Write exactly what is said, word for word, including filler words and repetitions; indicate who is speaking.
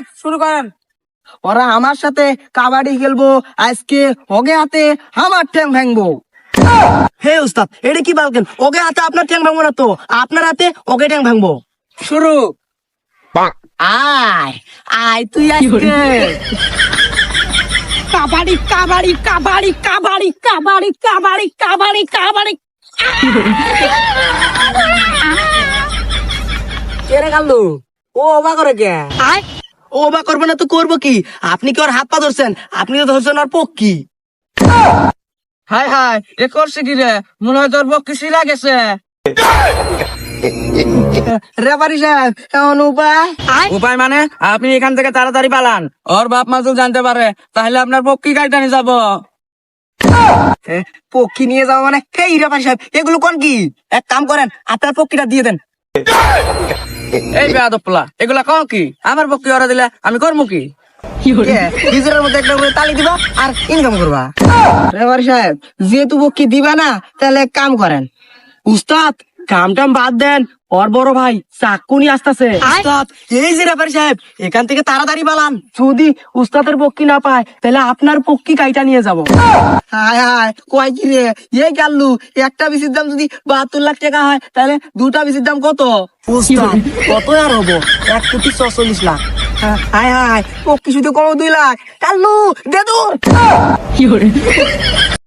Speaker 1: উস্তাদ শুরু করেন। ওরা আমার সাথে কাবাডি খেলবো, আজকে ওকে হাতে আমার ঠ্যাং ভাঙবো। হে উস্তাদ, এটা কি বলছেন? ওকে হাতে আপনার ঠ্যাং ভাঙবো না তো, আপনার হাতে ওকে ঠ্যাং ভাঙবো। শুরু। আয় আয় তুই আজকে কাবাডি কাবাডি কাবাডি কাবাডি কাবাডি কাবাডি কাবাডি কাবাডি। কেরে গাল্লু ও অবা করে কে? ও অবা করবে না তো করবো কি? আপনি কি ওর হাত পা ধরছেন? আপনি তো ধরছেন ওর পক্ষী। হাই হাই এ করছে কি রে? মনে হয় তোর পক্ষী শিলা গেছে। রেফারি সাহেব এমন উপায়? উপায় মানে আপনি এখান থেকে তাড়াতাড়ি পালান। ওর বাপ মা যদি জানতে পারে তাহলে আপনার পক্ষী গাড়িটা নিয়ে যাবো। পক্ষী নিয়ে যাবো মানে? এই রেফারি সাহেব এগুলো কোন কি? এক কাম করেন, আপনার পক্ষীটা দিয়ে দেন। এই বেয়াদবলা এগুলা কও কি? আমার পক্ষী ওরা দিলে আমি করবো কি? নিজের মধ্যে একটা করে তালি দিবা আর ইনকাম করবা। রেফারি সাহেব যেহেতু পক্ষী দিবা না, তাহলে এক কাম করেন। উস্তাদ কাম টাম বাদ দেন, ওর বড় ভাই চাকু নিয়ে আসতেছে। উস্তাদ এই যে রেফারি সাহেব এখান থেকে তাড়াতাড়ি পালান। যদি উস্তাদের পক্ষী না পায় তাহলে আপনার পক্ষী কাইটা নিয়ে যাবো। হায় হায় কয় কি রে? এই গাল্লু একটা বিসির দাম যদি বাহাত্তর লাখ টাকা হয় তাহলে দুটা বিসির দাম কত? উস্তাদ কত আর হবো? এক কোটি ছচল্লিশ লাখ। হায় হায় পক্ষী শুধু কম দুই লাখ। গাল্লু দে দূর।